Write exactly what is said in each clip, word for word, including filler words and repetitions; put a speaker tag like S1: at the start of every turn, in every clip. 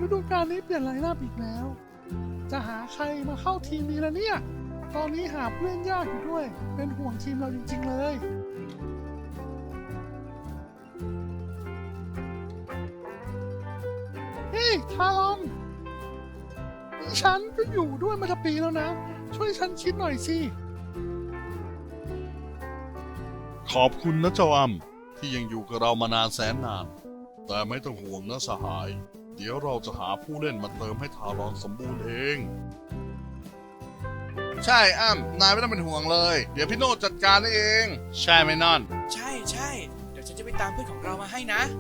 S1: ดูกาลนี้เปลี่ยนไลน์อัพอีกแล้วจะหาใครมาเข้าทีมนี้แล้วเนี่ยตอนนี้หาเพื่อนยากอยู่ด้วยเป็นห่วงทีมเราจริงๆเลยเฮ้ยทารอนนี่ฉันก็อยู่ด้วยมาทั้งปีแล้วนะช่วยฉันคิดหน่อยสิ
S2: ขอบคุณนะเจ้าอ้ำที่ยังอยู่กับเรามานานแสนนานแต่ไม่ต้องห่วงนะสหายเดี๋ยวเราจะหาผู้เล่นมาเติมให้ทารอนสมบูรณ์เองใช่อ้ำนายไม่ต้องเป็นห่วงเลยเดี๋ยวพี่โน่จัดการเองใช่ไหมนอน
S3: ใช่ใช่เดี๋ยวฉันจะไปตามเพื่อนของเรามาให้นะ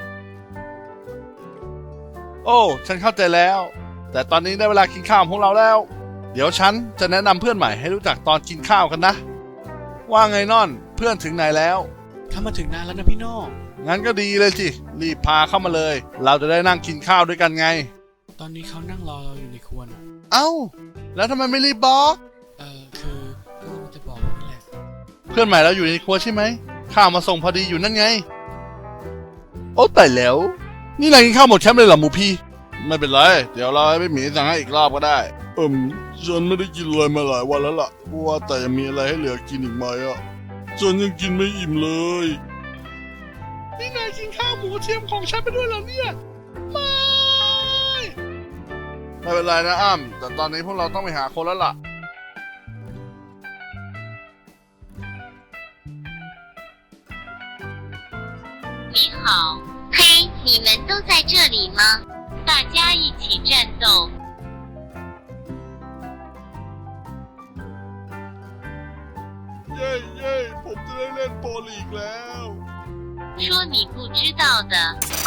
S2: โอ้ฉันเข้าใจแล้วแต่ตอนนี้ได้เวลากินข้าวของเราแล้วเดี๋ยวฉันจะแนะนำเพื่อนใหม่ให้รู้จักตอนกินข้าวกันนะว่าไงนอนเพื่อนถึงไหนแล้ว
S3: เขามาถึงนานแล้วนะพี่โน่
S2: งั้นก็ดีเลยสิรีบพาเข้ามาเลยเราจะได้นั่งกินข้าวด้วยกันไง
S3: ตอนนี้เขานั่งรอเราอยู่ในครัวนะ
S2: เอ้าแล้วทำไมไม่รีบบอก
S3: เออคือก็จะบอกนี่แหละ
S2: เพื่อนใหม่เราอยู่ในครัวใช่ไหมข้าวมาส่งพอดีอยู่นั่นไงโอ้แต่แล้วนี่นายกินข้าวหมดแคมป์เลยเหรอหมูพี่ไม่เป็นไรเดี๋ยวเราให้พี่หมีสั่งให้อีกรอบก็ได้เอิมฉันไม่ได้กินเลยมาหลายวันแล้วล่ะว่าแต่ยังมีอะไรให้เหลือกินอีกไหมอ่ะฉันยังกินไม่อิ่มเลย
S1: นี่นายกินข้าวหมูเทียมของฉันไปด้วยเหรอเนี่ยไม่
S2: ไม่เป็นไรนะอ้ำแต่ตอนนี้พวกเราต้องไปหาคนแล้วล่ะ
S4: 你好，嘿，你们都在这里吗？大家一起战斗！
S2: เย้เย้ผมจะได้เล่นโปรลีกแล้ว
S4: 说你不知道的。